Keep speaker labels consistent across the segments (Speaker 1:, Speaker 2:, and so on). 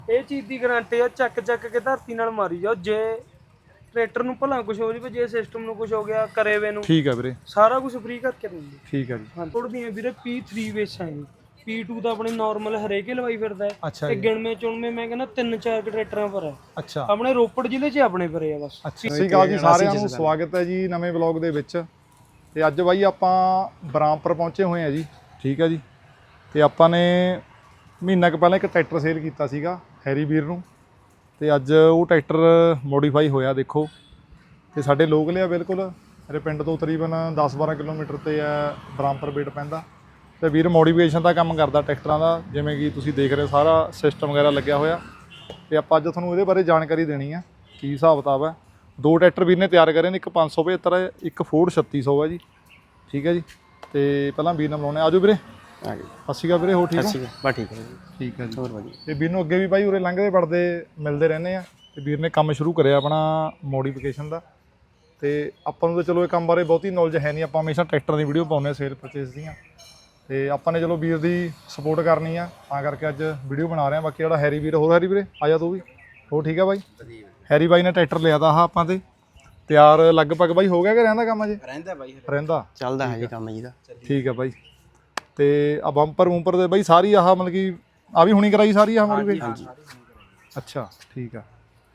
Speaker 1: ਇਹ ਚੀਜ਼ ਦੀ ਗਾਰੰਟੀ ਆ, ਚੱਕ ਕੇ ਧਰਤੀ ਨਾਲ ਮਾਰੀ ਜਾਓ। ਜੇ ਟਰੈਕਟਰ ਨੂੰ ਭਲਾ ਕੁਝ ਹੋ ਜਾਵੇ, ਜੇ ਸਿਸਟਮ ਨੂੰ ਕੁਝ ਹੋ ਗਿਆ ਕਰੇ ਵੇ ਨੂੰ,
Speaker 2: ਠੀਕ ਆ ਵੀਰੇ,
Speaker 1: ਸਾਰਾ ਕੁਝ ਫ੍ਰੀ ਕਰਕੇ ਦਿੰਦੇ।
Speaker 2: ਠੀਕ ਆ ਜੀ।
Speaker 1: ਹਾਂ ਥੋੜੀਆਂ ਵੀਰੇ P3 ਬੇਸਾਂ ਹੈ, P2 ਤਾਂ ਆਪਣੇ ਨਾਰਮਲ ਹਰੇਕੇ ਲਵਾਈ ਫਿਰਦਾ ਹੈ।
Speaker 2: ਅੱਛਾ
Speaker 1: ਤੇ
Speaker 2: ਜੀ,
Speaker 1: ਗਿਣਵੇਂ ਚੁਣਵੇਂ ਮੈਂ ਕਹਿੰਦਾ 3-4 ਟਰੈਕਟਰਾਂ ਪਰ ਹੈ
Speaker 2: ਅੱਛਾ
Speaker 1: ਆਪਣੇ ਰੋਪੜ ਜ਼ਿਲ੍ਹੇ 'ਚ, ਆਪਣੇ ਪਰੇ ਆ ਬਸ।
Speaker 2: ਸਤਿ ਸ਼੍ਰੀ ਅਕਾਲ ਜੀ ਸਾਰਿਆਂ ਨੂੰ, ਸਵਾਗਤ ਹੈ ਜੀ ਨਵੇਂ ਵਲੌਗ ਦੇ ਵਿੱਚ। ਤੇ ਅੱਜ ਬਾਈ ਆਪਾਂ ਬਰਾਮਪੁਰ ਪਹੁੰਚੇ ਹੋਏ ਆ ਜੀ, ਠੀਕ ਆ ਜੀ। ਤੇ ਆਪਾਂ ਨੇ ਮਹੀਨਾ ਕੁ ਪਹਿਲਾਂ ਇੱਕ ਟਰੈਕਟਰ ਸੇਲ ਕੀਤਾ ਸੀਗਾ ਹੈਰੀ ਵੀਰ ਨੂੰ, ਤੇ ਅੱਜ ਉਹ ਟਰੈਕਟਰ ਮੋਡੀਫਾਈ ਹੋਇਆ ਦੇਖੋ। ਤੇ ਸਾਡੇ ਲੋਕਲ ਆ ਬਿਲਕੁਲ, ਮੇਰੇ ਪਿੰਡ ਤੋਂ ਤਕਰੀਬਨ 10-12 ਕਿਲੋਮੀਟਰ ਤੇ ਆ ਬਰਾਮਪੁਰ ਬੇਟ ਪੈਂਦਾ। ਤੇ ਵੀਰ ਮੋਡੀਫਿਕੇਸ਼ਨ ਦਾ ਕੰਮ ਕਰਦਾ ਟਰੈਕਟਰਾਂ ਦਾ, ਜਿਵੇਂ ਕਿ ਤੁਸੀਂ ਦੇਖ ਰਹੇ ਹੋ ਸਾਰਾ ਸਿਸਟਮ ਵਗੈਰਾ ਲੱਗਿਆ ਹੋਇਆ। ਤੇ ਆਪਾਂ ਅੱਜ ਤੁਹਾਨੂੰ ਇਹਦੇ ਬਾਰੇ ਜਾਣਕਾਰੀ ਦੇਣੀ ਆ, ਕੀ ਹਿਸਾਬ ਕਿਤਾਬ ਹੈ। ਦੋ ਟਰੈਕਟਰ ਵੀਰ ਨੇ ਤਿਆਰ ਕਰੇ ਨੇ, ਇੱਕ 575 ਹੈ, ਇੱਕ ਫੋਰਡ 3600 ਹੈ ਜੀ, ਠੀਕ ਹੈ ਜੀ। ਤੇ ਪਹਿਲਾਂ ਵੀਰ ਨਾਲ ਮਿਲਾਉਣੇ, ਆਜੋ ਵੀਰੇ।
Speaker 3: ਆ ਗਏ।
Speaker 2: ਸਤਿ ਸ਼੍ਰੀ ਅਕਾਲ ਵੀਰੇ, ਹੋ ਠੀਕ ਹੋ?
Speaker 3: ਬਸ ਠੀਕ ਹੈ ਜੀ।
Speaker 2: ਠੀਕ ਹੈ ਜੀ।
Speaker 3: ਹੋਰ ਵਧੀਆ।
Speaker 2: ਤੇ ਵੀਰ ਨੂੰ ਅੱਗੇ ਵੀ ਬਾਈ ਉਰੇ ਲੰਘਦੇ ਵੜਦੇ ਮਿਲਦੇ ਰਹਿੰਦੇ ਆ। ਤੇ ਵੀਰ ਨੇ ਕੰਮ ਸ਼ੁਰੂ ਕਰਿਆ ਆਪਣਾ ਮੋਡੀਫਿਕੇਸ਼ਨ ਦਾ। ਤੇ ਆਪਾਂ ਨੂੰ ਤਾਂ ਚਲੋ ਇਹ ਕੰਮ ਬਾਰੇ ਬਹੁਤੀ ਨੌਲੇਜ ਹੈ ਨਹੀਂ, ਆਪਾਂ ਹਮੇਸ਼ਾ ਟਰੈਕਟਰ ਦੀ ਵੀਡੀਓ ਪਾਉਂਦੇ ਹਾਂ ਸੇਲ ਪਰਚੇਸ ਦੀਆਂ। ਤੇ ਆਪਾਂ ਨੇ ਚਲੋ ਵੀਰ ਦੀ ਸਪੋਰਟ ਕਰਨੀ ਆ, ਤਾਂ ਕਰਕੇ ਅੱਜ ਵੀਡੀਓ ਬਣਾ ਰਹੇ ਆ। ਬਾਕੀ ਜਿਹੜਾ ਹੈਰੀ ਵੀਰ, ਹੋਰ ਹੈਰੀ ਵੀਰੇ ਆ ਜਾ ਤੂੰ ਵੀ, ਹੋਰ ਠੀਕ ਆ ਬਾਈ? ਹੈਰੀ ਬਾਈ ਨੇ ਟਰੈਕਟਰ ਲਿਆ ਤਾ ਆਹ ਆਪਾਂ ਤੇ ਤਿਆਰ ਲਗਭਗ ਬਾਈ ਹੋ ਗਿਆ ਕਿ ਰਹਿੰਦਾ ਕੰਮ ਅਜੇ?
Speaker 3: ਰਹਿੰਦਾ ਬਾਈ,
Speaker 2: ਰਹਿੰਦਾ
Speaker 3: ਚੱਲਦਾ ਹੈ ਜੀ ਕੰਮ ਜੀ ਦਾ।
Speaker 2: ਠੀਕ ਆ ਬਾਈ। ਤੇ ਆ ਬੰਪਰ ਵੂੰਪਰ ਦੇ ਬਾਈ ਸਾਰੀ ਆਹ ਮਤਲਬ ਕਿ ਆ ਵੀ ਹੁਣੀ ਕਰਾਈ ਸਾਰੀ ਆਹ ਮੋਡੀਫਿਕੇਸ਼ਨ? ਅੱਛਾ ਠੀਕ ਆ।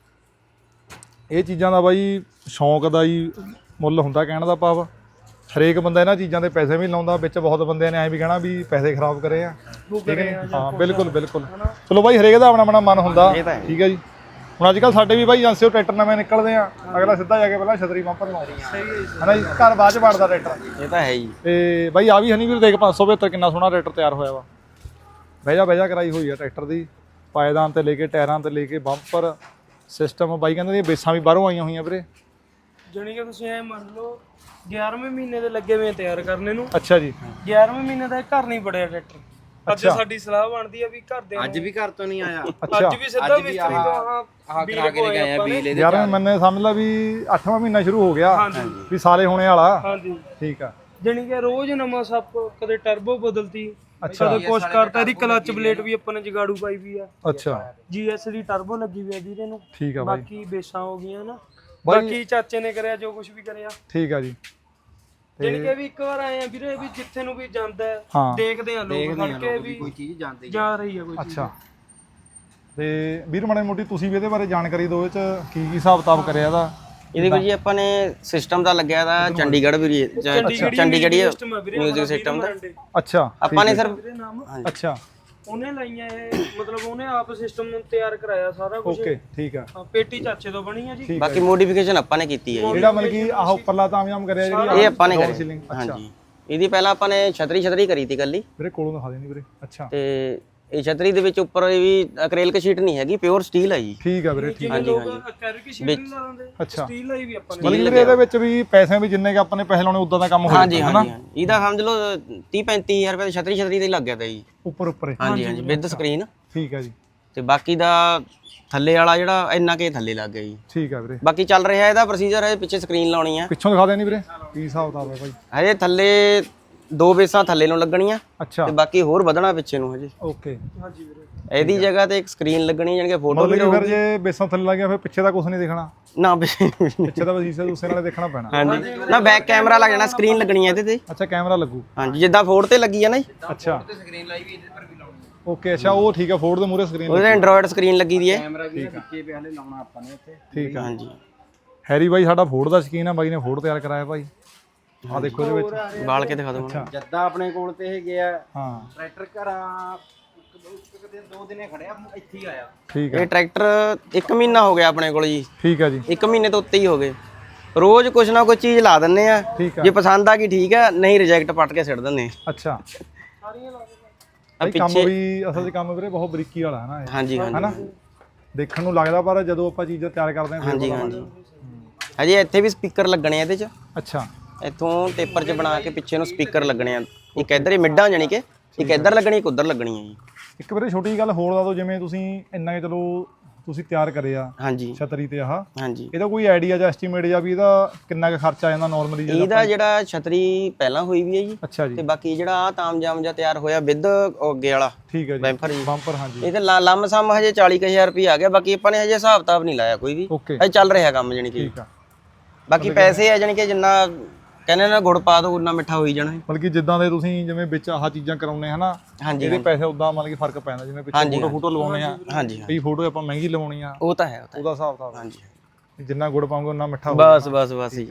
Speaker 2: ਇਹ ਚੀਜ਼ਾਂ ਦਾ ਬਾਈ ਸ਼ੌਂਕ ਦਾ ਹੀ ਮੁੱਲ ਹੁੰਦਾ, ਕਹਿਣ ਦਾ ਭਾਵ ਹਰੇਕ ਬੰਦਾ ਇਹਨਾਂ ਚੀਜ਼ਾਂ ਦੇ ਪੈਸੇ ਵੀ ਲਾਉਂਦਾ। ਵਿੱਚ ਬਹੁਤ ਬੰਦਿਆਂ ਨੇ ਐਂ ਵੀ ਕਹਿਣਾ ਵੀ ਪੈਸੇ ਖਰਾਬ ਕਰੇ ਆ, ਠੀਕ ਹੈ। ਹਾਂ ਬਿਲਕੁਲ ਬਿਲਕੁਲ, ਚਲੋ ਬਾਈ ਹਰੇਕ ਦਾ ਆਪਣਾ ਆਪਣਾ ਮਨ ਹੁੰਦਾ, ਠੀਕ ਹੈ ਜੀ। ਹੁਣ ਅੱਜ ਕੱਲ੍ਹ ਸਾਡੇ ਵੀ ਬਾਈ ਏਜੰਸੀ ਟਰੈਕਟਰ ਨਵੇਂ ਨਿਕਲਦੇ ਆ, ਅਗਲਾ ਸਿੱਧਾ ਜਾ ਕੇ ਪਹਿਲਾਂ ਛਤਰੀ ਬੰਪਰ ਲਾਉਂਦਾ ਹੈ ਨਾ ਜੀ, ਘਰ ਬਾਅਦ ਚ ਵੜਦਾ ਟਰੈਕਟਰ।
Speaker 3: ਇਹ ਤਾਂ ਹੈ ਜੀ।
Speaker 2: ਤੇ ਬਾਈ ਆ ਵੀ ਹਨੀ ਵੀਰ ਦੇਖ 575 ਕਿੰਨਾ ਸੋਹਣਾ ਟਰੈਕਟਰ ਤਿਆਰ ਹੋਇਆ ਵਾ। ਬਹਿਜਾ ਕਰਾਈ ਹੋਈ ਆ ਟਰੈਕਟਰ ਦੀ, ਪਾਏਦਾਨ ਤੇ ਲੈ ਕੇ ਟਾਇਰਾਂ ਤੇ ਲੈ ਕੇ ਬੰਪਰ ਸਿਸਟਮ। ਬਾਈ ਕਹਿੰਦੇ ਬੇਸਾਂ ਵੀ ਬਾਹਰੋਂ ਆਈਆਂ ਹੋਈਆਂ ਵੀਰੇ।
Speaker 1: ਜਾਣੀ ਕਿ ਤੁਸੀਂ ਐ ਮੰਨ ਲਓ 11ਵੇਂ ਮਹੀਨੇ ਦੇ ਲੱਗੇ ਹੋਏ ਤਿਆਰ ਕਰਨੇ ਨੂੰ।
Speaker 2: ਅੱਛਾ ਜੀ।
Speaker 1: 11ਵੇਂ ਮਹੀਨੇ ਦਾ ਘਰ ਨਹੀਂ ਬੜਿਆ ਟਰੈਕਟਰ। ਅੱਜ ਸਾਡੀ ਸਲਾਹ ਬਣਦੀ ਆ ਵੀ ਘਰ ਦੇ
Speaker 3: ਅੱਜ ਵੀ ਘਰ ਤੋਂ ਨਹੀਂ ਆਇਆ।
Speaker 1: ਅੱਜ ਵੀ ਸਿੱਧਾ ਮਿਸਤਰੀ ਤੋਂ ਆਹ
Speaker 3: ਕਰਾ ਕੇ ਲੈ ਕੇ ਆਏ ਆ ਬਿਜਲੀ ਦੇ।
Speaker 2: 11ਵੇਂ ਮਹੀਨੇ ਸਮਝ ਲਾ ਵੀ 8ਵਾਂ ਮਹੀਨਾ ਸ਼ੁਰੂ ਹੋ ਗਿਆ, ਵੀ ਸਾਲੇ ਹੋਣੇ ਵਾਲਾ।
Speaker 1: ਹਾਂਜੀ
Speaker 2: ਠੀਕ ਆ।
Speaker 1: ਜਾਣੀ ਕਿ ਰੋਜ਼ ਨਵਾਂ ਸੱਪ, ਕਦੇ ਟਰਬੋ ਬਦਲਤੀ, ਕਦੇ ਕੁਛ ਕਰਤਾ। ਇਹਦੀ ਕਲਚ ਪਲੇਟ ਵੀ ਆਪਾਂ ਨੇ ਜਗਾੜੂ ਪਾਈ ਵੀ ਆ।
Speaker 2: ਅੱਛਾ
Speaker 1: GS ਦੀ ਟਰਬੋ ਲੱਗੀ ਵੀ ਆ ਵੀਰੇ ਨੂੰ।
Speaker 2: ਠੀਕ ਆ ਬਾਈ।
Speaker 1: ਬਾਕੀ ਬੇਸਾਂ ਹੋ ਗਈਆਂ ਨਾ, ਬਾਕੀ ਚਾਚੇ ਨੇ ਕਰਿਆ ਜੋ ਕੁਝ ਵੀ ਕਰਿਆ।
Speaker 2: ਠੀਕ ਆ ਜੀ।
Speaker 1: ਜਾਣੀ ਕਿ ਵੀ ਇੱਕ ਵਾਰ ਆਏ ਆ ਵੀਰੇ, ਵੀ ਜਿੱਥੇ ਨੂੰ ਵੀ ਜਾਂਦਾ
Speaker 2: ਹਾਂ।
Speaker 1: ਦੇਖਦੇ ਆ ਲੋਕ ਖੜ ਕੇ ਵੀ
Speaker 3: ਕੋਈ ਚੀਜ਼ ਜਾਂਦੀ
Speaker 1: ਜਾ ਰਹੀ ਆ ਕੋਈ ਚੀਜ਼।
Speaker 2: ਅੱਛਾ। ਤੇ ਵੀਰ ਮਾੜੀ ਮੋਟੀ ਤੁਸੀਂ ਵੀ ਇਹਦੇ ਬਾਰੇ ਜਾਣਕਾਰੀ ਦਿਓ, ਇਹ ਚ ਕੀ ਹਿਸਾਬ ਕਿਤਾਬ ਕਰਿਆ ਇਹਦਾ?
Speaker 3: ਇਹਦੇ ਵਿੱਚ ਜੀ ਆਪਾਂ ਨੇ ਸਿਸਟਮ ਦਾ ਲੱਗਿਆ ਦਾ ਚੰਡੀਗੜ੍ਹ ਵੀ, ਚੰਡੀਗੜ੍ਹ ਮਿਊਜ਼ਿਕ ਸਿਸਟਮ ਦਾ।
Speaker 2: ਅੱਛਾ
Speaker 3: ਆਪਾਂ ਨੇ ਸਰ
Speaker 2: ਅੱਛਾ
Speaker 1: ਉਹਨੇ ਲਾਈਆਂ ਇਹ, ਮਤਲਬ ਉਹਨੇ ਆਪ ਸਿਸਟਮ ਨੂੰ ਤਿਆਰ ਕਰਾਇਆ ਸਾਰਾ ਕੁਝ।
Speaker 2: ਓਕੇ ਠੀਕ ਆ।
Speaker 1: ਪੇਟੀ ਚਾਚੇ ਤੋਂ ਬਣੀ ਆ ਜੀ।
Speaker 3: ਬਾਕੀ ਮੋਡੀਫਿਕੇਸ਼ਨ ਆਪਾਂ ਨੇ ਕੀਤੀ ਹੈ ਜੀ।
Speaker 2: ਜਿਹੜਾ ਮਤਲਬ ਕਿ ਆਹ ਉੱਪਰਲਾ ਤਾਮਯਾਮ ਕਰਿਆ ਜਿਹੜੀ
Speaker 3: ਇਹ ਆਪਾਂ ਨੇ ਕਰੀ।
Speaker 2: ਸੀਲਿੰਗ। ਅੱਛਾ
Speaker 3: ਹਾਂਜੀ, ਇਹਦੀ ਪਹਿਲਾਂ ਆਪਾਂ ਨੇ ਛਤਰੀ ਕਰੀ ਤੀ ਕੱਲੀ।
Speaker 2: ਵੀਰੇ ਕੋਲੋਂ ਦਿਖਾ ਦੇਣੀ ਵੀਰੇ। ਅੱਛਾ
Speaker 3: ਤੇ ਇਹ ਛਤਰੀ ਦੇ ਵਿੱਚ ਉੱਪਰ ਇਹ ਵੀ ਅਕ੍ਰੀਲਿਕ ਸ਼ੀਟ ਨਹੀਂ ਹੈਗੀ, ਪਿਓਰ ਸਟੀਲ ਹੈ ਜੀ।
Speaker 2: ਠੀਕ ਆ ਵੀਰੇ। ਠੀਕ
Speaker 1: ਜਿਵੇਂ ਲੋਕ ਅਕੈਰਿਕ ਸ਼ੀਟ ਨਹੀਂ ਲਾ ਦਿੰਦੇ, ਸਟੀਲ ਲਾਈ ਵੀ ਆਪਾਂ ਨੇ।
Speaker 2: ਮਤਲਬ ਵੀਰੇ ਇਹਦੇ ਵਿੱਚ ਵੀ ਪੈਸੇ ਵੀ ਜਿੰਨੇ ਕਿ ਆਪਾਂ ਨੇ ਪੈਸੇ ਲਾਉਣੇ ਉਦਾਂ ਦਾ ਕੰਮ ਹੋ
Speaker 3: ਹਾਂਜੀ ਹਾਂਜੀ। ਇਹਦਾ ਸਮਝ ਲਓ 30-35 ਹਜ਼ਾਰ ਰੁਪਏ ਛਤਰੀ ਤੇ ਹੀ ਲੱਗ ਗਿਆ ਤਾ ਜੀ।
Speaker 2: ਉੱਪਰ
Speaker 3: ਹਾਂਜੀ ਵਿਦ ਸਕਰੀਨ।
Speaker 2: ਠੀਕ ਆ ਜੀ।
Speaker 3: ਤੇ ਬਾਕੀ ਦਾ ਥੱਲੇ ਵਾਲਾ ਜਿਹੜਾ ਇੰਨਾ ਕੇ ਥੱਲੇ ਲੱਗ ਗਿਆ ਜੀ।
Speaker 2: ਠੀਕ ਆ ਵੀਰੇ।
Speaker 3: ਬਾਕੀ ਚੱਲ ਰਿਹਾ ਇਹਦਾ ਪ੍ਰੋਸੀਜਰ ਹੈ, ਪਿੱਛੇ ਸਕਰੀਨ ਲਾਉਣੀ ਆ।
Speaker 2: ਪਿੱਛੋਂ ਦਿਖਾ ਦੇਣੀ ਵੀਰੇ ਕੀ ਹਿਸਾਬ ਕਿਤਾਬ ਹੈ ਭਾਈ?
Speaker 3: ਹਜੇ ਥੱਲੇ 2 ਬੇਸਾਂ ਥੱਲੇ ਨੂੰ ਲੱਗਣੀਆਂ
Speaker 2: ਅੱਛਾ
Speaker 3: ਤੇ ਬਾਕੀ ਹੋਰ ਵਧਣਾ ਪਿੱਛੇ ਨੂੰ ਹਜੇ।
Speaker 2: ਓਕੇ।
Speaker 1: ਹਾਂਜੀ ਵੀਰੇ।
Speaker 3: ਇਹਦੀ ਜਗ੍ਹਾ ਤੇ ਇੱਕ ਸਕਰੀਨ ਲੱਗਣੀ, ਜਾਨੀ ਕਿ ਫੋਟੋ ਵੀ
Speaker 2: ਫਿਰ ਜੇ ਬੇਸਾਂ ਥੱਲੇ ਲੱਗ ਗਿਆ ਫਿਰ ਪਿੱਛੇ ਦਾ ਕੁਝ ਨਹੀਂ ਦਿਖਣਾ
Speaker 3: ਨਾ।
Speaker 2: ਪਿੱਛੇ ਦਾ ਸ਼ੀਸ਼ੇ ਦੂਸਰੇ ਨਾਲੇ ਦੇਖਣਾ ਪੈਣਾ।
Speaker 3: ਹਾਂਜੀ ਨਾ, ਬੈਕ ਕੈਮਰਾ ਲੱਗ ਜਾਣਾ, ਸਕਰੀਨ ਲੱਗਣੀ ਹੈ ਇਹਦੇ ਤੇ।
Speaker 2: ਅੱਛਾ ਕੈਮਰਾ ਲੱਗੂ।
Speaker 3: ਹਾਂਜੀ ਜਿੱਦਾਂ ਫੋਰਡ ਤੇ ਲੱਗੀ ਆ ਨਾ ਜੀ।
Speaker 2: ਅੱਛਾ ਸਕਰੀਨ ਲਾਈ ਵੀ ਇਹਦੇ ਪਰ ਵੀ ਲਾਉਣੀ। ਓਕੇ ਅੱਛਾ ਉਹ ਠੀਕ ਆ। ਫੋਰਡ ਦੇ ਮੂਹਰੇ ਸਕਰੀਨ
Speaker 3: ਉਹਦੇ ਐਂਡਰੋਇਡ ਸਕਰੀਨ ਲੱਗੀ ਦੀ ਹੈ।
Speaker 2: ਕੈਮਰਾ ਵੀ ਵਿੱਚੇ ਪਿਆ ਹਲੇ ਲਾਉਣਾ ਆਪਾਂ ਨੇ ਇੱਥੇ। ਠੀਕ ਆ।
Speaker 3: ਹਾਂਜੀ
Speaker 2: ਹੈਰੀ ਬਾਈ ਸਾਡਾ ਫੋਰਡ ਦਾ ਸ਼ਕੀਨ ਆ, ਬਾਈ ਨੇ ਫੋਰਡ ਤਿਆਰ ਕਰਾਇਆ ਭਾਈ। ਆ ਦੇਖੋ ਇਹਦੇ ਵਿੱਚ
Speaker 3: ਬਾਲ ਕੇ ਦਿਖਾ ਦਿਓ।
Speaker 4: ਜੱਦਾ ਆਪਣੇ ਕੋਲ ਤੇ ਇਹ ਗਿਆ
Speaker 2: ਹਾਂ
Speaker 4: ਟਰੈਕਟਰ ਘਰਾਂ 2 ਦਿਨੇ ਖੜਿਆ, ਇੱਥੇ ਹੀ ਆਇਆ।
Speaker 2: ਠੀਕ ਆ।
Speaker 3: ਇਹ ਟਰੈਕਟਰ 1 ਮਹੀਨਾ ਹੋ ਗਿਆ ਆਪਣੇ ਕੋਲ ਜੀ।
Speaker 2: ਠੀਕ ਆ ਜੀ।
Speaker 3: 1 ਮਹੀਨੇ ਤੋਂ ਉੱਤੇ ਹੀ ਹੋ ਗਏ। ਰੋਜ਼ ਕੁਛ ਨਾ ਕੁਛ ਚੀਜ਼ ਲਾ ਦਿੰਨੇ ਆ,
Speaker 2: ਠੀਕ ਆ।
Speaker 3: ਜੇ ਪਸੰਦ ਆ ਗਈ ਠੀਕ ਆ, ਨਹੀਂ ਰਿਜੈਕਟ ਪੱਟ ਕੇ ਸਿੱਟ ਦਿੰਨੇ।
Speaker 2: ਅੱਛਾ
Speaker 1: ਸਾਰੀਆਂ ਲਾ ਦੇ।
Speaker 2: ਭਾਈ ਕੰਮ ਵੀ ਅਸਲ 'ਚ ਕੰਮ ਵੀਰੇ ਬਹੁਤ ਬਰੀਕੀ ਵਾਲਾ ਹੈ ਨਾ ਇਹ,
Speaker 3: ਹਾਂਜੀ ਹਾਂਜੀ
Speaker 2: ਹੈਨਾ? ਦੇਖਣ ਨੂੰ ਲੱਗਦਾ ਪਰ ਜਦੋਂ ਆਪਾਂ ਚੀਜ਼ਾਂ ਤਿਆਰ ਕਰਦੇ ਹਾਂ
Speaker 3: ਹਾਂਜੀ ਹਾਂਜੀ। ਹਜੇ ਇੱਥੇ ਵੀ ਸਪੀਕਰ ਲੱਗਣੇ ਆ ਇਹਦੇ 'ਚ।
Speaker 2: ਅੱਛਾ
Speaker 3: ਇੱਥੋਂ ਟੇਪਰ 'ਚ ਬਣਾ ਕੇ ਪਿੱਛੇ ਨੂੰ ਸਪੀਕਰ ਲੱਗਣੇ ਆ। ਇੱਕ ਇੱਧਰ ਹੀ ਮਿੱਡਾਂ ਜਾਣੀ ਕਿ ਇੱਕ ਇੱਧਰ ਲੱਗਣੀ, ਇੱਕ ਉੱਧਰ ਲੱਗਣੀ ਹੈ ਜੀ।
Speaker 2: ਇੱਕ ਵੀਰੇ ਛੋਟੀ ਜਿਹੀ ਗੱਲ ਹੋਰ ਦੱਸ ਦਿਓ, ਜਿਵੇਂ ਤੁਸੀਂ ਇੰਨਾ ਕਿ ਚਲੋ ਤੁਸੀਂ ਤਿਆਰ ਕਰੇ ਆ
Speaker 3: ਹਾਂਜੀ
Speaker 2: ਛਤਰੀ ਤੇ ਆਹ,
Speaker 3: ਹਾਂਜੀ।
Speaker 2: ਇਹਦਾ ਕੋਈ ਆਈਡੀਆ ਜਾਂ ਐਸਟੀਮੇਟ ਜਾਂ ਵੀ ਇਹਦਾ ਕਿੰਨਾ ਕੁ ਖਰਚਾ ਆ ਜਾਂਦਾ ਨਾਰਮਲੀ?
Speaker 3: ਇਹਦਾ ਜਿਹੜਾ ਛਤਰੀ ਪਹਿਲਾਂ ਹੋਈ ਵੀ ਹੈ ਜੀ,
Speaker 2: ਅੱਛਾ ਜੀ,
Speaker 3: ਤੇ ਬਾਕੀ ਜਿਹੜਾ ਆ ਤਾਮਜਾਮ ਜਿਹਾ ਤਿਆਰ ਹੋਇਆ ਵਿਦ ਅੱਗੇ ਵਾਲਾ
Speaker 2: ਠੀਕ ਹੈ ਜੀ,
Speaker 3: ਬੈਂਫਰ ਜੀ,
Speaker 2: ਬੰਪਰ, ਹਾਂਜੀ,
Speaker 3: ਇਹ ਤੇ ਲੰਮ-ਸਮ ਹਜੇ 40,000 ਰੁਪਏ ਆ ਗਿਆ। ਬਾਕੀ ਆਪਾਂ ਨੇ ਹਜੇ ਹਿਸਾਬ ਕਿਤਾਬ ਨਹੀਂ ਲਾਇਆ ਕੋਈ ਵੀ,
Speaker 2: ਓਕੇ,
Speaker 3: ਇਹ ਚੱਲ ਰਿਹਾ ਕੰਮ ਜਾਨੀ ਕਿ।
Speaker 2: ਠੀਕ ਆ।
Speaker 3: ਬਾਕੀ ਪੈਸੇ ਆ ਜਾਨੀ ਕਿ ਜਿੰਨਾ ਕਹਿੰਦੇ ਨਾ ਗੁੜ ਪਾ ਦੋ ਉਨਾ ਮਿੱਠਾ ਹੋਈ ਜਾਣਾ।
Speaker 2: ਮਤਲਬ ਕਿ ਜਿੱਦਾਂ ਦੇ ਤੁਸੀਂ ਜਿਵੇਂ ਵਿੱਚ ਆਹ ਚੀਜ਼ਾਂ ਕਰਾਉਣੇ ਹਨਾ,
Speaker 3: ਹਾਂਜੀ
Speaker 2: ਇਹਦੇ ਪੈਸੇ ਉਦਾਂ ਮਤਲਬ ਕਿ ਫਰਕ ਪੈਂਦਾ। ਜਿਵੇਂ ਪਿੱਛੇ ਫੋਟੋ ਲਵਾਉਣੇ ਆ,
Speaker 3: ਹਾਂਜੀ
Speaker 2: ਕਈ ਫੋਟੋ ਆਪਾਂ ਮਹਿੰਗੀ ਲਵਾਉਣੀ ਆ,
Speaker 3: ਉਹ ਤਾਂ ਹੈ, ਉਹ ਤਾਂ
Speaker 2: ਉਹਦਾ ਹਿਸਾਬ ਕਿਤਾਬ,
Speaker 3: ਹਾਂਜੀ।
Speaker 2: ਜਿੰਨਾ ਗੁੜ ਪਾਉਂਗੇ ਉਨਾ ਮਿੱਠਾ ਹੋਊਗਾ।
Speaker 3: ਬਸ ਹੀ।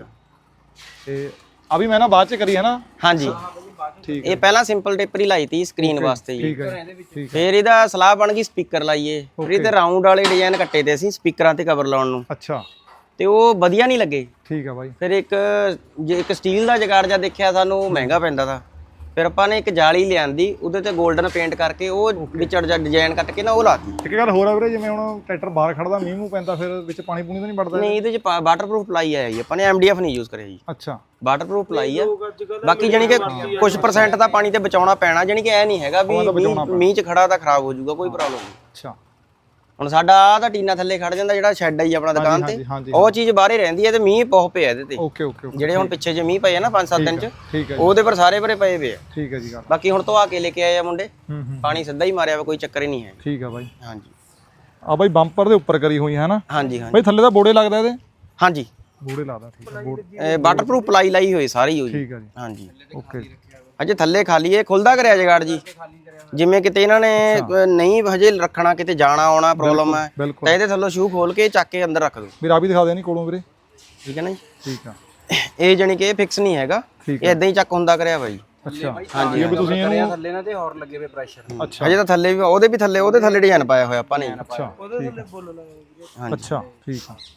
Speaker 2: ਤੇ ਆ ਵੀ ਮੈਂ ਨਾ ਬਾਅਦ ਚ ਕਰੀ ਹੈ ਨਾ?
Speaker 3: ਹਾਂਜੀ,
Speaker 2: ਠੀਕ
Speaker 3: ਇਹ ਪਹਿਲਾਂ ਸਿੰਪਲ ਟੇਪਰ ਹੀ ਲਾਈ ਤੀ ਸਕਰੀਨ ਵਾਸਤੇ ਜੀ।
Speaker 2: ਠੀਕ ਹੈ, ਠੀਕ,
Speaker 3: ਫਿਰ ਇਹਦਾ ਸਲਾਹ ਬਣ ਗਈ ਸਪੀਕਰ ਲਾਈਏ। ਫਿਰ ਇਹਦੇ ਰਾਉਂਡ ਵਾਲੇ ਡਿਜ਼ਾਈਨ ਕੱਟੇ ਤੇ ਅਸੀਂ ਸਪੀਕਰਾਂ ਤੇ ਕਵਰ ਲਾਉਣ ਨੂੰ,
Speaker 2: ਅੱਛਾ,
Speaker 3: ਤੇ ਉਹ ਵਧੀਆ ਨਹੀਂ ਲੱਗੇ।
Speaker 2: ਠੀਕ ਆ ਬਾਈ।
Speaker 3: ਫਿਰ ਇੱਕ ਸਟੀਲ ਦਾ ਜਗਾੜ ਜਿਹਾ ਦੇਖਿਆ ਸਾਨੂੰ, ਉਹ ਮਹਿੰਗਾ ਪੈਂਦਾ ਤਾ। ਫਿਰ ਆਪਾਂ ਨੇ ਇੱਕ ਜਾਲੀ ਲਿਆਂਦੀ, ਉਹਦੇ ਤੇ 골ਡਨ ਪੇਂਟ ਕਰਕੇ ਉਹ ਵਿਚੜ ਜਾ ਡਿਜ਼ਾਈਨ ਕੱਟ ਕੇ ਨਾ ਉਹ ਲਾਤੀ।
Speaker 2: ਇੱਕ ਗੱਲ ਹੋਰ ਆ ਵੀਰੇ, ਜਿਵੇਂ ਹੁਣ ਟਰੈਕਟਰ ਬਾਹਰ ਖੜਦਾ, ਮੀਂਹ ਮੂੰਹ ਪੈਂਦਾ, ਫਿਰ ਵਿੱਚ ਪਾਣੀ ਪੂਣੀ ਤਾਂ ਨਹੀਂ ਵੜਦਾ?
Speaker 3: ਨਹੀਂ, ਇਹਦੇ ਚ ਵਾਟਰਪ੍ਰੂਫ ਪਲਾਈ ਆਇਆ ਜੀ, ਆਪਾਂ ਨੇ MDF ਨਹੀਂ ਯੂਜ਼ ਕਰਿਆ ਜੀ,
Speaker 2: ਅੱਛਾ,
Speaker 3: ਵਾਟਰਪ੍ਰੂਫ ਪਲਾਈ ਆ। ਬਾਕੀ ਜਾਨੀ ਕਿ ਕੁਝ % ਤਾਂ ਪਾਣੀ ਤੇ ਬਚਾਉਣਾ ਪੈਣਾ, ਜਾਨੀ ਕਿ ਇਹ ਨਹੀਂ ਹੈਗਾ ਵੀ ਮੀਂਹ ਚ ਖੜਾ ਤਾਂ ਖਰਾਬ ਹੋ ਜਾਊਗਾ, ਕੋਈ ਪ੍ਰੋਬਲਮ ਨਹੀਂ।
Speaker 2: ਅੱਛਾ,
Speaker 3: ਹੁਣ ਸਾਡਾ ਆਹ ਤਾਂ ਟੀਨਾ ਥੱਲੇ ਖੜ ਜਾਂਦਾ, ਜਿਹੜਾ ਸ਼ੈੱਡ ਹੈ ਜੀ ਆਪਣਾ ਦੁਕਾਨ ਤੇ,
Speaker 2: ਹਾਂਜੀ,
Speaker 3: ਉਹ ਚੀਜ਼ ਬਾਹਰੇ ਰਹਿੰਦੀ ਹੈ ਤੇ ਮੀਂਹ ਬਹੁਤ ਪਿਆ ਇਹਦੇ ਤੇ।
Speaker 2: ਓਕੇ, ਓਕੇ,
Speaker 3: ਜਿਹੜੇ ਹੁਣ ਪਿੱਛੇ ਜੇ ਮੀਂਹ ਪਏ ਆ ਨਾ 5-7 ਦਿਨ ਚ,
Speaker 2: ਠੀਕ ਹੈ,
Speaker 3: ਉਹਦੇ ਪਰ ਸਾਰੇ ਭਰੇ ਪਏ ਵੇ ਆ।
Speaker 2: ਠੀਕ ਹੈ ਜੀ ਗੱਲ।
Speaker 3: ਬਾਕੀ ਹੁਣ ਧਵਾ ਕੇ ਲੈ ਕੇ ਆਏ ਆ ਮੁੰਡੇ,
Speaker 2: ਹੂੰ,
Speaker 3: ਪਾਣੀ ਸਿੱਧਾ ਹੀ ਮਾਰਿਆ ਵਾ, ਕੋਈ ਚੱਕਰ ਹੀ ਨਹੀਂ ਹੈ।
Speaker 2: ਠੀਕ ਆ ਬਾਈ।
Speaker 3: ਹਾਂਜੀ
Speaker 2: ਆ ਬਾਈ ਬੰਪਰ ਦੇ ਉੱਪਰ ਕਰੀ ਹੋਈ ਹੈ ਨਾ
Speaker 3: ਹਾਂਜੀ
Speaker 2: ਬਾਈ? ਥੱਲੇ ਤਾਂ ਬੋੜੇ ਲੱਗਦਾ ਇਹਦੇ?
Speaker 3: ਹਾਂਜੀ,
Speaker 2: ਬੋੜੇ ਲੱਗਦਾ, ਠੀਕ ਹੈ,
Speaker 3: ਇਹ ਵਾਟਰਪ੍ਰੂਫ ਪਲਾਈ ਲਾਈ ਹੋਈ ਸਾਰੀ ਹੋਈ।
Speaker 2: ਠੀਕ ਹੈ ਜੀ,
Speaker 3: ਹਾਂਜੀ,
Speaker 2: ਓਕੇ।
Speaker 3: ਅਜੇ ਥੱਲੇ ਖਾਲੀ ਇਹ ਖੁੱਲਦਾ ਕਰਿਆ ਜਗਾੜ ਜੀ, ਜਿਵੇਂ ਕਿਤੇ ਇਹਨਾਂ ਨੇ ਨਹੀਂ ਹਜੇ ਰੱਖਣਾ, ਕਿਤੇ ਜਾਣਾ ਆਉਣਾ ਪ੍ਰੋਬਲਮ ਹੈ,
Speaker 2: ਬਿਲਕੁਲ।
Speaker 3: ਤਾਂ ਇਹਦੇ ਥੱਲੋਂ ਸ਼ੂ ਖੋਲ ਕੇ ਚੱਕ ਕੇ ਅੰਦਰ ਰੱਖ ਦੋ।
Speaker 2: ਵੀਰ ਆ ਵੀ ਦਿਖਾ ਦੇ ਨਹੀਂ ਕੋਲੋਂ ਵੀਰੇ?
Speaker 3: ਠੀਕ ਹੈ ਨਾ ਜੀ,
Speaker 2: ਠੀਕ ਆ।
Speaker 3: ਇਹ ਜਾਨੀ ਕਿ ਇਹ ਫਿਕਸ ਨਹੀਂ ਹੈਗਾ, ਇਹ ਇਦਾਂ ਹੀ ਚੱਕ ਹੁੰਦਾ ਕਰਿਆ ਬਾਈ।
Speaker 2: ਅੱਛਾ,
Speaker 3: ਹਾਂਜੀ,
Speaker 2: ਇਹ ਵੀ ਤੁਸੀਂ ਇਹਨੂੰ,
Speaker 4: ਥੱਲੇ ਨਾ ਤੇ ਹੋਰ ਲੱਗੇ ਵੇ ਪ੍ਰੈਸ਼ਰ।
Speaker 2: ਅੱਛਾ,
Speaker 3: ਹਜੇ ਤਾਂ ਥੱਲੇ ਵੀ ਉਹਦੇ ਥੱਲੇ ਡਿਜ਼ਾਈਨ ਪਾਇਆ ਹੋਇਆ ਆਪਾਂ ਨੇ।
Speaker 2: ਅੱਛਾ,
Speaker 1: ਉਹਦੇ ਥੱਲੇ ਬੁੱਲ ਲਾਇਆ।
Speaker 2: ਅੱਛਾ, ਠੀਕ ਆ।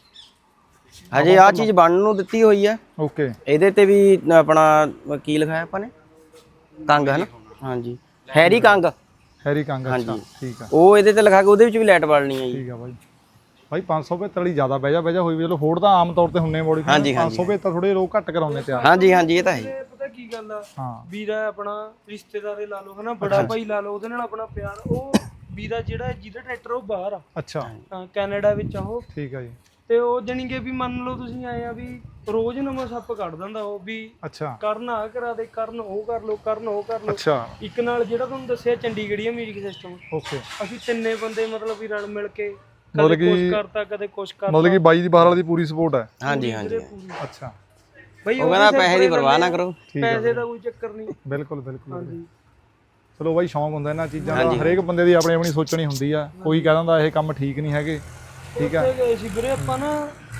Speaker 3: ਹਜੇ ਆਹ ਚੀਜ਼ ਬਣਨ ਨੂੰ ਦਿੱਤੀ ਹੋਈ ਹੈ।
Speaker 2: ਓਕੇ,
Speaker 3: ਇਹਦੇ ਤੇ ਵੀ ਆਪਣਾ ਕੀ ਲਿਖਾਇਆ ਆਪਾਂ ਨੇ, ਕੰਗ ਹੈ ਨਾ? ਹਾਂਜੀ, ਹੈਰੀ ਕੰਗ,
Speaker 2: ਹੈਰੀ ਕੰਗ, ਅੱਛਾ, ਠੀਕ ਆ।
Speaker 3: ਉਹ ਇਹਦੇ ਤੇ ਲਿਖਾ ਕੇ ਉਹਦੇ ਵਿੱਚ ਵੀ ਲਾਈਟ ਬਾਲਣੀ ਹੈ ਜੀ।
Speaker 2: ਠੀਕ ਆ ਬਾਈ। ਬਾਈ 575 ਵਾਲੀ ਜ਼ਿਆਦਾ ਬਹਿਜਾ ਹੋਈ ਵੀ, ਚਲੋ ਫੋੜ ਤਾਂ ਆਮ ਤੌਰ ਤੇ ਹੁੰਨੇ ਮੋੜੀ, 575 ਥੋੜੇ ਲੋਕ ਘੱਟ ਕਰਾਉਂਦੇ ਤਿਆਰ।
Speaker 3: ਹਾਂਜੀ, ਇਹ ਤਾਂ ਹੈ।
Speaker 1: ਪਤਾ ਕੀ ਗੱਲ ਆ,
Speaker 2: ਹਾਂ,
Speaker 1: ਵੀਰਾ ਆਪਣਾ ਰਿਸ਼ਤੇਦਾਰੇ ਲਾ ਲਓ ਹਨਾ, ਬੜਾ ਭਾਈ ਲਾ ਲਓ, ਉਹਦੇ ਨਾਲ ਆਪਣਾ ਪਿਆਰ। ਉਹ ਵੀਰਾ ਜਿਹੜਾ ਜਿਹਦਾ ਟਰੈਕਟਰ ਉਹ ਬਾਹਰ ਆ,
Speaker 2: ਅੱਛਾ,
Speaker 1: ਕੈਨੇਡਾ ਵਿੱਚ ਆ ਉਹ,
Speaker 2: ਠੀਕ ਆ ਜੀ।
Speaker 1: ਤੇ ਉਹ ਜਾਣੀ ਕਿ ਵੀ ਮੰਨ ਲਓ ਤੁਸੀਂ ਆਏ ਆ ਵੀ ਰੋਜ਼ ਨਵਾਂ ਸੱਪ ਕੱਢ ਦਿੰਦਾ ਉਹ, ਵੀ
Speaker 2: ਅੱਛਾ,
Speaker 1: ਕਰਨ ਆ ਕਰਾ ਦੇ, ਕਰਨ ਉਹ ਕਰ ਲਓ, ਕਰਨ ਉਹ ਕਰ ਲਓ।
Speaker 2: ਅੱਛਾ,
Speaker 1: ਇੱਕ ਨਾਲ ਜਿਹੜਾ ਤੁਹਾਨੂੰ ਦੱਸਿਆ ਚੰਡੀਗੜ੍ਹੀਆ ਮਿਊਜ਼ਿਕ ਸਿਸਟਮ,
Speaker 2: ਓਕੇ।
Speaker 1: ਅਸੀਂ ਤਿੰਨੇ ਬੰਦੇ ਮਤਲਬ ਵੀ ਰਲ ਮਿਲ ਕੇ
Speaker 2: ਮਤਲਬ
Speaker 1: ਕਦੇ ਕੁਛ
Speaker 2: ਕਿ
Speaker 1: ਕਰਤਾ, ਕਦੇ ਕੁਛ ਕਰਤਾ।
Speaker 2: ਮਤਲਬ ਕਿ ਬਾਈ ਦੀ ਬਾਹਰ ਵਾਲੀ ਦੀ ਪੂਰੀ ਸਪੋਰਟ ਹੈ?
Speaker 3: ਹਾਂਜੀ,
Speaker 2: ਅੱਛਾ,
Speaker 1: ਬਈ
Speaker 3: ਉਹ ਕਹਿੰਦਾ ਪੈਸੇ ਦੀ ਪਰਵਾਹ ਨਾ ਕਰੋ,
Speaker 1: ਪੈਸੇ ਦਾ ਕੋਈ ਚੱਕਰ ਨਹੀਂ।
Speaker 2: ਬਿਲਕੁਲ, ਬਿਲਕੁਲ। ਚਲੋ ਬਾਈ, ਸ਼ੌਂਕ ਹੁੰਦਾ ਇਹਨਾਂ ਚੀਜ਼ਾਂ ਦਾ, ਹਰੇਕ ਬੰਦੇ ਦੀ ਆਪਣੀ ਆਪਣੀ ਸੋਚਣੀ ਹੁੰਦੀ ਆ। ਕੋਈ ਕਹਿ ਦਿੰਦਾ ਇਹ ਕੰਮ ਠੀਕ ਨਹੀਂ ਹੈਗੇ, ਠੀਕ ਆ।
Speaker 1: ਗਏ ਸੀ ਵੀਰੇ ਆਪਾਂ ਨਾ,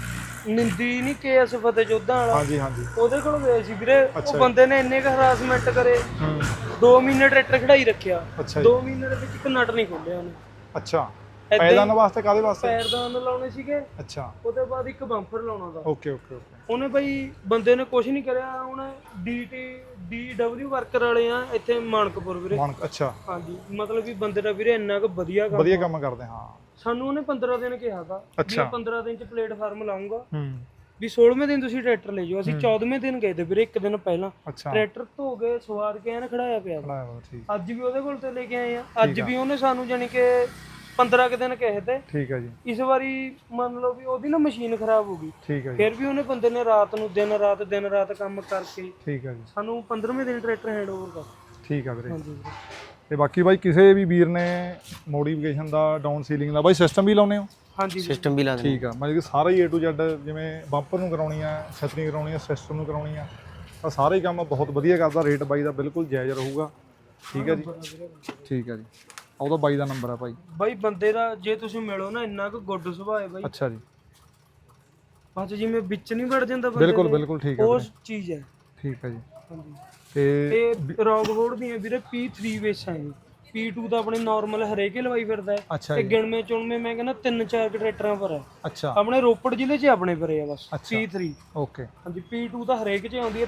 Speaker 1: ਨਿੰਦੀ ਨਹੀਂ KS ਫਤਿਹ ਜੋਧਾ ਵਾਲਾ,
Speaker 2: ਹਾਂਜੀ, ਹਾਂਜੀ,
Speaker 1: ਉਹਦੇ ਕੋਲ ਗਏ ਸੀ ਵੀਰੇ। ਉਹ ਬੰਦੇ ਨੇ ਇੰਨੇ ਕੁ ਹਰਾਸਮੈਂਟ ਕਰੇ, 2 ਮਹੀਨੇ ਟਰੈਕਟਰ ਖੜਾਈ ਰੱਖਿਆ,
Speaker 2: ਅੱਛਾ
Speaker 1: 2 ਮਹੀਨੇ ਦੇ ਵਿੱਚ ਇੱਕ ਨਟ ਨਹੀਂ ਖੋਲਿਆ ਉਹਨੇ।
Speaker 2: ਅੱਛਾ, ਪੈਦਾਨ ਵਾਸਤੇ ਕਾਦੇ ਵਾਸਤੇ?
Speaker 1: ਪੈਰਦਾਨ ਲਾਉਣੇ ਸੀਗੇ,
Speaker 2: ਅੱਛਾ,
Speaker 1: ਉਹਦੇ ਬਾਅਦ ਇੱਕ ਬੰਪਰ ਲਾਉਣਾ ਦਾ।
Speaker 2: Okay, okay, okay.
Speaker 1: ਉਹਨੇ ਬਈ ਬੰਦੇ ਨੇ ਕੁਝ ਨਹੀਂ ਕਰਿਆ। ਹੁਣ DW ਵਰਕਰ ਵਾਲੇ ਆ ਇੱਥੇ ਮਾਨਕਪੁਰ ਵੀਰੇ।
Speaker 2: ਅੱਛਾ,
Speaker 1: ਹਾਂਜੀ, ਮਤਲਬ ਵੀ ਬੰਦੇ ਦਾ ਵੀਰੇ ਇੰਨਾ ਕੁ ਵਧੀਆ
Speaker 2: ਕੰਮ ਕਰਦੇ। ਹਾਂ,
Speaker 1: ਸਾਨੂੰ ਉਹਨੇ 15 ਦਿਨ ਕਿਹਾ ਤਾ ਵੀ
Speaker 2: ਅੱਛਾ।
Speaker 1: 15 ਦਿਨ ਚ ਪਲੇਟਫਾਰਮ ਲਾਉਂਗਾ,
Speaker 2: ਹੂੰ,
Speaker 1: ਵੀ 16ਵੇਂ ਦਿਨ ਤੁਸੀਂ ਟਰੈਕਟਰ ਲੈ ਜਾਓ। ਅਸੀਂ 14ਵੇਂ ਦਿਨ ਗਏ ਤੇ ਵੀਰੇ, ਇੱਕ ਦਿਨ ਪਹਿਲਾਂ
Speaker 2: ਅੱਛਾ,
Speaker 1: ਟਰੈਕਟਰ ਧੋ ਕੇ ਸਵਾਰ ਕੇ ਐਨ ਖੜਾਇਆ ਪਿਆ।
Speaker 2: ਠੀਕ,
Speaker 1: ਅੱਜ ਵੀ ਉਹਦੇ ਕੋਲ ਤੇ ਲੈ ਕੇ ਆਏ ਆ। ਅੱਜ ਵੀ ਉਹਨੇ ਸਾਨੂੰ ਜਾਨੀ ਕਿ 15 ਕੁ ਦਿਨ ਕਹੇ ਤੇ।
Speaker 2: ਠੀਕ ਹੈ ਜੀ।
Speaker 1: ਇਸ ਵਾਰੀ ਮੰਨ ਲਓ ਵੀ ਉਹਦੀ ਨਾ ਮਸ਼ੀਨ ਖਰਾਬ ਹੋ ਗਈ,
Speaker 2: ਠੀਕ ਹੈ ਜੀ।
Speaker 1: ਫਿਰ ਵੀ ਉਹਨੇ ਬੰਦੇ ਨੇ ਰਾਤ ਨੂੰ ਦਿਨ ਰਾਤ ਕੰਮ ਕਰਕੇ
Speaker 2: ਠੀਕ ਹੈ ਜੀ,
Speaker 1: ਸਾਨੂੰ 15ਵੇਂ ਦਿਨ ਟਰੈਕਟਰ ਹੈਂਡਓਵਰ ਕਰ।
Speaker 2: ਠੀਕ ਆ ਵੀਰੇ।
Speaker 1: ਹਾਂਜੀ ਵੀਰੇ।
Speaker 2: ਤੇ ਬਾਕੀ ਬਾਈ ਕਿਸੇ ਵੀ ਵੀਰ ਨੇ ਮੋਡੀਫਿਕੇਸ਼ਨ ਦਾ, ਡਾਊਨ ਸੀਲਿੰਗ ਦਾ ਬਾਈ ਸਿਸਟਮ ਵੀ ਲਾਉਨੇ ਹੋ?
Speaker 1: ਹਾਂਜੀ
Speaker 3: ਸਿਸਟਮ ਵੀ ਲਾ ਦਿੰਦੇ।
Speaker 2: ਠੀਕ ਆ, ਮਤਲਬ ਕਿ ਸਾਰਾ ਹੀ A to Z, ਜਿਵੇਂ ਬੰਪਰ ਨੂੰ ਕਰਾਉਣੀ ਆ, ਛਤਰੀ ਕਰਾਉਣੀ ਆ, ਸਿਸਟਮ ਨੂੰ ਕਰਾਉਣੀ ਆ, ਤਾਂ ਸਾਰੇ ਹੀ ਕੰਮ ਬਹੁਤ ਵਧੀਆ ਕਰਦਾ। ਰੇਟ ਬਾਈ ਦਾ ਬਿਲਕੁਲ ਜਾਇਜ਼ ਰਹੂਗਾ, ਠੀਕ ਹੈ ਜੀ। ਠੀਕ ਹੈ ਜੀ, ਉਹਦਾ ਬਾਈ ਦਾ ਨੰਬਰ ਆ ਭਾਈ।
Speaker 1: ਬਾਈ ਬੰਦੇ ਦਾ ਜੇ ਤੁਸੀਂ ਮਿਲੋ ਨਾ, ਇੰਨਾ ਕੁ ਗੁੱਡ ਸੁਭਾਅ ਹੈ ਬਾਈ।
Speaker 2: ਅੱਛਾ ਜੀ,
Speaker 1: ਬਸ ਜਿਵੇਂ ਵਿੱਚ ਨਹੀਂ ਵੜ ਜਾਂਦਾ ਬੰਦੇ
Speaker 2: ਬਿਲਕੁਲ
Speaker 1: ਦੇ,
Speaker 2: ਬਿਲਕੁਲ, ਠੀਕ ਹੈ
Speaker 1: ਉਹ
Speaker 2: ਵੀਰੇ,
Speaker 1: ਚੀਜ਼ ਹੈ।
Speaker 2: ਠੀਕ ਹੈ ਜੀ।
Speaker 1: ਹਾਂਜੀ,
Speaker 2: ਤੇ
Speaker 1: ਇਹ ਰੌਕਫੋਰਡ ਦੀਆਂ ਵੀਰੇ P3 ਬੇਸਾਂ ਹੈ। P2 ਤਾਂ ਆਪਣੇ ਨਾਰਮਲ ਹਰੇਕ ਹੀ ਲਵਾਈ ਫਿਰਦਾ ਹੈ,
Speaker 2: ਅੱਛਾ
Speaker 1: ਤੇ
Speaker 2: ਜੀ,
Speaker 1: ਗਿਣਵੇਂ ਚੁਣਵੇਂ ਮੈਂ ਕਹਿੰਦਾ 3-4 ਟਰੈਕਟਰਾਂ ਪਰ ਹੈ।
Speaker 2: ਅੱਛਾ,
Speaker 1: ਆਪਣੇ ਰੋਪੜ ਜ਼ਿਲ੍ਹੇ 'ਚ ਆਪਣੇ ਪਰੇ ਆ ਬਸ P3।
Speaker 2: ਓਕੇ।
Speaker 1: ਹਾਂਜੀ, P2 ਤਾਂ ਹਰੇਕ 'ਚ ਆਉਂਦੀ ਹੈ।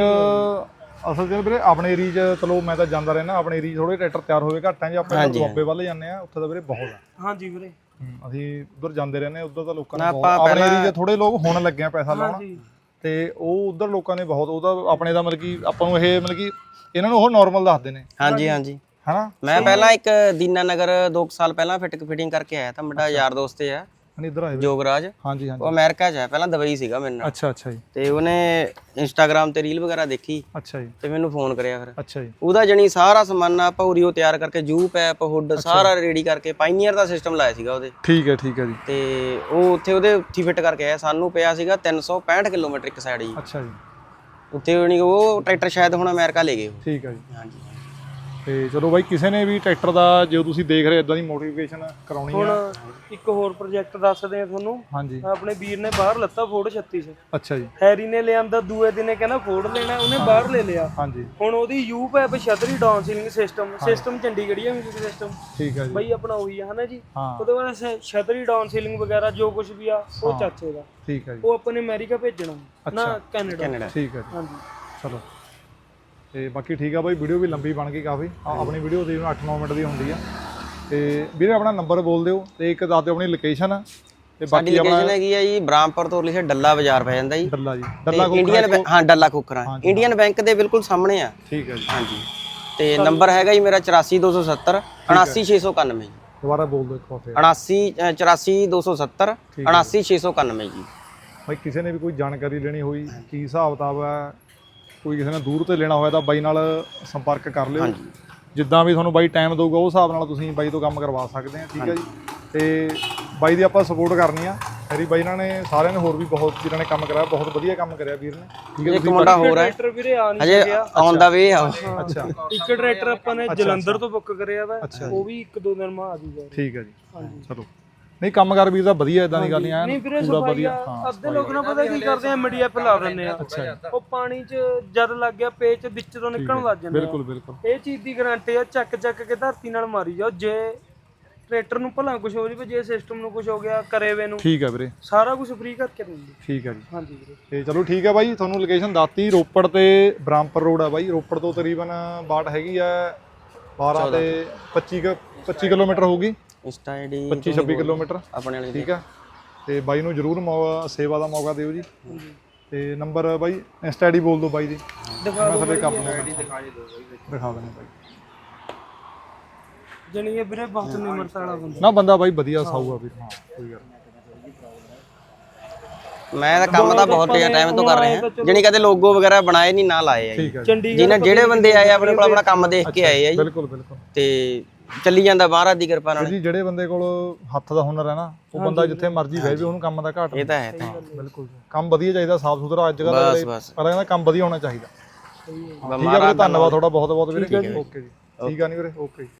Speaker 2: ਅਸਲ 'ਚ ਵੀਰੇ ਆਪਣੇ ਏਰੀਆ 'ਚ, ਚਲੋ ਮੈਂ ਤਾਂ ਜਾਂਦਾ ਰਹਿਣਾ, ਆਪਣੇ ਏਰੀਆ ਥੋੜੇ ਟਰੈਕਟਰ ਤਿਆਰ ਹੋਵੇ ਘੱਟ ਹੈ ਜੀ। ਆਪਾਂ ਦੁਆਬੇ ਵੱਲ ਜਾਂਦੇ ਆ, ਉੱਥੇ ਤਾਂ ਵੀਰੇ ਬਹੁਤ ਆ।
Speaker 1: ਹਾਂਜੀ ਵੀਰੇ,
Speaker 2: ਅਸੀਂ ਉਧਰ ਜਾਂਦੇ ਰਹਿੰਦੇ ਆ, ਉਧਰ ਤਾਂ ਲੋਕਾਂ ਨੇ ਆਪਣੇ ਏਰੀਆ 'ਚ ਥੋੜੇ ਲੋਕ ਹੁਣ ਲੱਗੇ ਆ ਪੈਸਾ ਲਾਉਣ, ਤੇ ਉਹ ਉਧਰ ਲੋਕਾਂ ਨੇ ਬਹੁਤ, ਉਹਦਾ ਆਪਣੇ ਦਾ ਮਤਲਬ ਕਿ ਆਪਾਂ ਨੂੰ ਇਹ ਮਤਲਬ ਕਿ ਇਹਨਾਂ ਨੂੰ ਉਹ ਨਾਰਮਲ ਦੱਸਦੇ ਨੇ।
Speaker 3: ਹਾਂਜੀ,
Speaker 2: ਹਨਾ?
Speaker 3: ਮੈਂ ਪਹਿਲਾਂ ਇੱਕ ਦੀਨਾਨਗਰ 2 ਸਾਲ ਪਹਿਲਾਂ ਫਿਟਿੰਗ ਕਰਕੇ ਆਇਆ ਤਾਂ ਮੁੰਡਾ ਯਾਰ ਦੋਸਤ ਆ
Speaker 2: ਹਣੀ ਇੱਧਰ ਆਏ
Speaker 3: ਜੋਗਰਾਜ,
Speaker 2: ਹਾਂਜੀ ਹਾਂਜੀ
Speaker 3: ਉਹ ਅਮਰੀਕਾ 'ਚ ਹੈ, ਪਹਿਲਾਂ ਦੁਬਈ ਸੀਗਾ ਮੇਰੇ ਨਾਲ।
Speaker 2: ਅੱਛਾ ਅੱਛਾ ਜੀ
Speaker 3: ਤੇ ਉਹਨੇ ਇੰਸਟਾਗ੍ਰਾਮ ਤੇ ਰੀਲ ਵਗੈਰਾ ਦੇਖੀ
Speaker 2: ਅੱਛਾ ਜੀ
Speaker 3: ਤੇ ਮੈਨੂੰ ਫੋਨ ਕਰਿਆ ਫਿਰ।
Speaker 2: ਅੱਛਾ ਜੀ
Speaker 3: ਉਹਦਾ ਜਣੀ ਸਾਰਾ ਸਮਾਨ ਆਪਾਂ ਉਰੀਓ ਤਿਆਰ ਕਰਕੇ ਜੂ ਪੈਪ ਹੁੱਡ ਸਾਰਾ ਰੈਡੀ ਕਰਕੇ ਪਾਈਨੀਅਰ ਦਾ ਸਿਸਟਮ ਲਾਇਆ ਸੀਗਾ ਉਹਦੇ।
Speaker 2: ਠੀਕ ਹੈ ਜੀ
Speaker 3: ਤੇ ਉਹ ਉੱਥੇ ਉਹਦੇ ਉੱਥੇ ਫਿੱਟ ਕਰਕੇ ਆਇਆ। ਸਾਨੂੰ ਪਿਆ ਸੀਗਾ 365 ਕਿਲੋਮੀਟਰ ਇੱਕ ਸਾਈਡ ਜੀ
Speaker 2: ਅੱਛਾ ਜੀ
Speaker 3: ਉੱਥੇ। ਉਹ ਟਰੈਕਟਰ ਸ਼ਾਇਦ ਹੁਣ ਅਮਰੀਕਾ ਲੈ ਗਏ ਉਹ।
Speaker 2: ਠੀਕ ਹੈ ਜੀ।
Speaker 3: ਹਾਂਜੀ
Speaker 2: ਤੇ ਚਲੋ ਬਾਈ ਕਿਸੇ ਨੇ ਵੀ ਟਰੈਕਟਰ ਦਾ ਜੇ ਤੁਸੀਂ ਦੇਖ ਰਹੇ ਇਦਾਂ ਦੀ ਮੋਟੀਵੇਸ਼ਨ ਕਰਾਉਣੀ
Speaker 1: ਹੁਣ
Speaker 2: ਆ।
Speaker 1: ਇੱਕ ਹੋਰ ਪ੍ਰੋਜੈਕਟ ਦੱਸਦੇ ਆ ਤੁਹਾਨੂੰ।
Speaker 2: ਹਾਂਜੀ
Speaker 1: ਆਪਣੇ ਵੀਰ ਨੇ ਬਾਹਰ ਲੱਤਾ ਫੋਰਡ 36
Speaker 2: ਅੱਛਾ ਜੀ
Speaker 1: ਹੈਰੀ ਨੇ ਲਿਆਂਦਾ, ਦੂਏ ਦਿਨੇ ਕਹਿੰਦਾ ਫੋਰਡ ਲੈਣਾ, ਉਹਨੇ ਬਾਹਰ ਲੈ ਲਿਆ।
Speaker 2: ਹਾਂਜੀ
Speaker 1: ਹੁਣ ਉਹਦੀ ਯੂ ਪੈਪ ਛਤਰੀ ਡਾਊਨ ਸੀਲਿੰਗ ਸਿਸਟਮ ਚੰਡੀਗੜ੍ਹੀਆ ਮਿਊਜ਼ਿਕ ਸਿਸਟਮ
Speaker 2: ਠੀਕ ਹੈ ਜੀ
Speaker 1: ਬਈ ਆਪਣਾ ਉਹੀ ਆ ਹਨਾ ਜੀ।
Speaker 2: ਹਾਂ
Speaker 1: ਉਹਦੇ ਬਾਅਦ ਛਤਰੀ ਡਾਊਨ ਸੀਲਿੰਗ ਵਗੈਰਾ ਜੋ ਕੁਝ ਵੀ ਆ ਉਹ ਚਾਚੇ ਦਾ।
Speaker 2: ਠੀਕ ਹੈ ਜੀ
Speaker 1: ਉਹ ਆਪਾਂ ਨੇ ਅਮਰੀਕਾ ਭੇਜਣਾ ਨਾ ਕੈਨੇਡਾ।
Speaker 2: ਠੀਕ ਹੈ ਜੀ
Speaker 1: ਹਾਂਜੀ
Speaker 2: ਚਲੋ ਤੇ ਬਾਕੀ ਠੀਕ ਆ ਬਾਈ, ਵੀਡੀਓ ਵੀ ਲੰਬੀ ਬਣ ਗਈ ਕਾਫੀ। ਆਪਣੀ ਵੀਡੀਓ ਦੀ 8-9 ਮਿੰਟ ਦੀ ਹੁੰਦੀ ਆ। ਤੇ ਵੀਰੇ ਆਪਣਾ ਨੰਬਰ ਬੋਲ ਦਿਓ ਤੇ ਇੱਕ ਦੱਸ ਦਿਓ ਆਪਣੀ ਲੋਕੇਸ਼ਨ ਤੇ
Speaker 3: ਸਾਡੀ
Speaker 2: ਬਾਕੀ ਆਪਣਾ
Speaker 3: ਲੋਕੇਸ਼ਨ ਹੈਗੀ ਆ ਜੀ ਬ੍ਰਾਹਮਪੁਰ ਤੋਂ ਲਿਖੇ ਡੱਲਾ ਬਾਜ਼ਾਰ ਪੈ ਜਾਂਦਾ ਜੀ।
Speaker 2: ਡੱਲਾ ਜੀ
Speaker 3: ਤੇ
Speaker 2: ਡੱਲਾ
Speaker 3: ਇੰਡੀਅਨ ਹਾਂ ਡੱਲਾ ਖੋਖਰਾ ਇੰਡੀਅਨ ਬੈਂਕ ਦੇ ਬਿਲਕੁਲ ਸਾਹਮਣੇ ਆ।
Speaker 2: ਠੀਕ ਹੈ ਜੀ
Speaker 3: ਹਾਂਜੀ ਤੇ ਨੰਬਰ ਹੈਗਾ ਜੀ ਮੇਰਾ 84270 79691 ਜੀ।
Speaker 2: ਦੁਬਾਰਾ ਬੋਲ ਦਿਓ ਇੱਕ ਵਾਰ ਫੇਰ।
Speaker 3: 84270 79691 ਜੀ।
Speaker 2: ਬਾਈ ਕਿਸੇ ਨੇ ਵੀ ਕੋਈ ਜਾਣਕਾਰੀ ਲੈਣੀ ਹੋਈ ਕੀ ਹਿਸਾਬ ਕਿਤਾਬ ਹੈ, ਕੋਈ ਕਿਸੇ ਨੇ ਦੂਰ ਤੇ ਲੈਣਾ ਹੋਇਆ ਤਾਂ ਬਾਈ ਨਾਲ ਸੰਪਰਕ ਕਰ ਲਿਓ। ਜਿੱਦਾਂ ਵੀ ਤੁਹਾਨੂੰ ਬਾਈ ਟਾਈਮ ਦਊਗਾ ਉਸ ਹਿਸਾਬ ਨਾਲ ਤੁਸੀਂ ਬਾਈ ਤੋਂ ਕੰਮ ਕਰਵਾ ਸਕਦੇ ਆ। ਠੀਕ ਹੈ ਜੀ। ਤੇ ਬਾਈ ਦੀ ਆਪਾਂ ਸਪੋਰਟ ਕਰਨੀ ਆ। ਮੇਰੀ ਬਾਈ ਨਾਲ ਨੇ ਸਾਰਿਆਂ ਨੇ ਹੋਰ ਵੀ ਬਹੁਤ ਜਿਹਨਾਂ ਨੇ ਕੰਮ ਕਰਾਇਆ, ਬਹੁਤ ਵਧੀਆ ਕੰਮ ਕਰਿਆ ਵੀਰ ਨੇ। ਠੀਕ ਹੈ।
Speaker 3: ਇੱਕ ਮੁੰਡਾ ਹੋਰ ਹੈ
Speaker 1: ਟਰੈਕਟਰ ਵੀਰੇ ਆ ਨਹੀਂ
Speaker 3: ਅਜੇ
Speaker 1: ਸਕਿਆ।
Speaker 3: ਆਨ ਦਾ ਵੇ ਆ।
Speaker 2: ਅੱਛਾ
Speaker 1: ਇੱਕ ਟਰੈਕਟਰ ਆਪਾਂ ਨੇ ਜਲੰਧਰ ਤੋਂ ਬੁੱਕ ਕਰਿਆ ਵਾ, ਉਹ ਵੀ 1-2 ਦਿਨ ਮਾ ਆ ਜੂਗਾ।
Speaker 2: ਠੀਕ ਹੈ ਜੀ ਚਲੋ। ਨਹੀਂ ਕੰਮ ਕਰ ਵੀਰ ਦਾ ਵਧੀਆ, ਇਦਾਂ ਦੀ ਗੱਲ ਨਹੀਂ
Speaker 1: ਨਹੀਂ ਵੀਰੇ
Speaker 2: ਪੂਰਾ
Speaker 1: ਸਫਾਈ
Speaker 2: ਵਧੀਆ।
Speaker 1: ਆ।
Speaker 2: ਹਾਂ
Speaker 1: ਅੱਧੇ ਲੋਕ ਨਾ ਪਤਾ ਕੀ ਕਰਦੇ ਆ MDF ਲਾ ਦਿੰਦੇ ਆ। ਉਹ ਪਾਣੀ 'ਚ ਜਦ ਲੱਗ ਗਿਆ ਪੇਚ ਵਿੱਚ ਤੋਂ ਨਿਕਲਣ ਲੱਗ ਜਾਂਦੇ ਆ।
Speaker 2: ਬਿਲਕੁਲ ਬਿਲਕੁਲ
Speaker 1: ਇਹ ਚੀਜ਼ ਦੀ ਗਾਰੰਟੀ ਆ। ਚੱਕ ਕੇ ਧਰਤੀ ਨਾਲ ਮਾਰੀ ਜਾਓ। ਜੇ ਟਰੈਕਟਰ ਨੂੰ ਭਲਾ ਕੁਝ ਹੋ ਜਾਵੇ, ਜੇ ਸਿਸਟਮ ਨੂੰ ਕੁਝ ਹੋ ਗਿਆ, ਕਰੇਵੇ ਨੂੰ,
Speaker 2: ਠੀਕ ਹੈ ਵੀਰੇ
Speaker 1: ਸਾਰਾ ਕੁਝ ਫ੍ਰੀ ਕਰਕੇ ਦਿੰਦੇ।
Speaker 2: ਠੀਕ ਹੈ ਜੀ।
Speaker 1: ਹਾਂਜੀ ਵੀਰੇ
Speaker 2: ਤੇ ਚਲੋ ਠੀਕ ਹੈ ਬਾਈ, ਤੁਹਾਨੂੰ ਲੋਕੇਸ਼ਨ ਦੱਸਤੀ। ਰੋਪੜ ਤੇ ਬ੍ਰਾਹਮਪੁਰ ਰੋਡ ਆ ਬਾਈ। ਰੋਪੜ ਤੋਂ ਤਕਰੀਬਨ ਬਾਟ ਹੈਗੀ ਆ 12 ਤੇ 25 ਕਿਲੋਮੀਟਰ ਹੋਊਗੀ।
Speaker 3: ਇੰਸਟਾ ਆਈਡੀ
Speaker 2: 25-26 ਕਿਲੋਮੀਟਰ
Speaker 3: ਆਪਣੇ ਵਾਲੀ
Speaker 2: ਠੀਕ ਆ। ਤੇ ਬਾਈ ਨੂੰ ਜਰੂਰ ਸੇਵਾ ਦਾ ਮੌਕਾ ਦਿਓ ਜੀ। ਤੇ ਨੰਬਰ ਬਾਈ ਇੰਸਟਾ ਆਈਡੀ ਬੋਲ ਦਿਓ ਬਾਈ ਦੀ।
Speaker 1: ਦਿਖਾ ਦਿਓ
Speaker 2: ਸਾਡੇ ਕੰਮ ਦਿਖਾ ਦਿੰਦੇ ਬਾਈ।
Speaker 1: ਜਣੀ ਇਹ ਵੀਰੇ ਬਹੁਤ ਨਿਮਰਤਾ ਵਾਲਾ ਬੰਦਾ।
Speaker 2: ਨਾ ਬੰਦਾ ਬਾਈ ਵਧੀਆ ਸਾਊ ਆ ਵੀਰ। ਹਾਂ ਕੋਈ ਗੱਲ
Speaker 3: ਮੈਂ ਤਾਂ ਕੰਮ ਦਾ ਬਹੁਤ ਟਾਈਮ ਤੋਂ ਕਰ ਰਿਹਾ। ਜਣੀ ਕਦੇ ਲੋਗੋ ਵਗੈਰਾ ਬਣਾਏ ਨਹੀਂ, ਨਾ ਲਾਏ ਆ ਜੀ।
Speaker 2: ਠੀਕ ਹੈ
Speaker 3: ਜਿਹਨਾਂ ਜਿਹੜੇ ਬੰਦੇ ਆਏ ਆਪਣੇ ਕੋਲ ਆਪਣਾ ਕੰਮ ਦੇਖ ਕੇ ਆਏ ਆ ਜੀ।
Speaker 2: ਬਿਲਕੁਲ ਬਿਲਕੁਲ।
Speaker 3: ਤੇ ਚੱਲੀ ਜਾਂਦਾ ਮਹਾਰਾਜ ਦੀ ਕਿਰਪਾ ਨਾਲ।
Speaker 2: ਜੀ ਜਿਹੜੇ ਬੰਦੇ ਕੋਲ ਹੱਥ ਦਾ ਹੁਨਰ ਹੈ ਨਾ, ਉਹ ਬੰਦਾ ਜਿੱਥੇ ਮਰਜ਼ੀ ਬਹਿ ਜਾਵੇ, ਉਹਨੂੰ ਕੰਮ ਦਾ ਘਾਟ
Speaker 3: ਇਹ ਤਾਂ ਹੈ।
Speaker 2: ਬਿਲਕੁਲ ਕੰਮ ਵਧੀਆ ਚਾਹੀਦਾ, ਸਾਫ ਸੁਥਰਾ। ਅੱਜ ਕੱਲ੍ਹ ਪਰ ਕਹਿੰਦਾ ਕੰਮ ਵਧੀਆ ਹੋਣਾ ਚਾਹੀਦਾ। ਠੀਕ ਹੈ ਵੀਰੇ, ਧੰਨਵਾਦ ਤੁਹਾਡਾ ਬਹੁਤ ਬਹੁਤ ਵੀਰੇ। ਓਕੇ ਜੀ। ਠੀਕ ਆ ਨਹੀਂ ਵੀਰੇ, ਓਕੇ।